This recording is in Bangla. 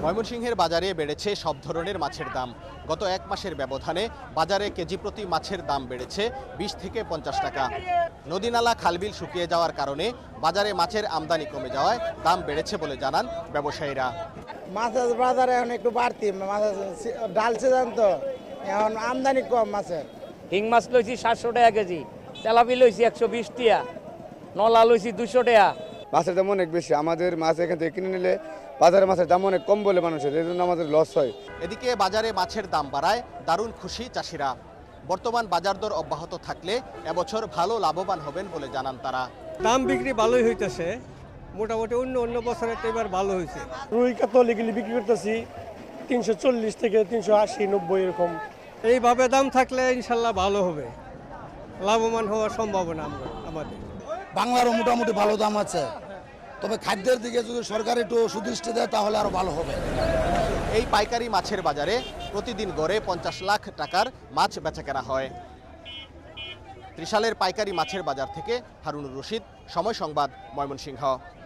ময়মনসিংহের বাজারে বেড়েছে সব ধরনের মাছের দাম। গত এক মাসের ব্যবধানে বাজারে কেজি প্রতি মাছের দাম বেড়েছে 20 থেকে 50 টাকা। নদীনালা খালবিল শুকিয়ে যাওয়ার কারণে বাজারে মাছের আমদানি কমে যাওয়ায় দাম বেড়েছে বলে জানান ব্যবসায়ীরা। মাছের বাজারে এখন একটু বাড়তি, ডাল সিজন তো এখন আমদানি কম মাছের। হিং মাছ লইছি 700 টাকা কেজি, তেলাপি লইছি 120 টাকা, নলা লইছি 200 টাকা। মাছের দাম অনেক বেশি, আমাদের মাছ এখান থেকে কিনে নিলে বাজারে মাছের দাম অনেক কম বলে মানুষের, এই জন্য আমাদের লস হয়। এদিকে বাজারে মাছের দাম বাড়ায় দারুণ খুশি চাষিরা। বর্তমান বাজার দর অব্যাহত থাকলে এবছর ভালো লাভবান হবেন বলে জানান তারা। দাম বিক্রি ভালোই হইতেছে, মোটামুটি অন্য বছরের এবার ভালো হয়েছে। রুই কাতল এগুলি বিক্রি করতেছি 340 থেকে 380, 90 এরকম। এইভাবে দাম থাকলে ইনশাল্লাহ ভালো হবে, লাভবান হওয়ার সম্ভাবনা আমাদের। বাংলারও মোটামুটি ভালো দাম আছে, তবে খাদ্যের দিকে যদি সরকার একটু সুদৃষ্টি দেয় তাহলে আরো ভালো হবে। এই পাইকারি মাছের বাজারে প্রতিদিন গড়ে 50 লাখ টাকার মাছ বেচাকেনা হয়। ত্রিশালের পাইকারি মাছের বাজার থেকে হারুনুর রশিদ, সময় সংবাদ, ময়মনসিংহ।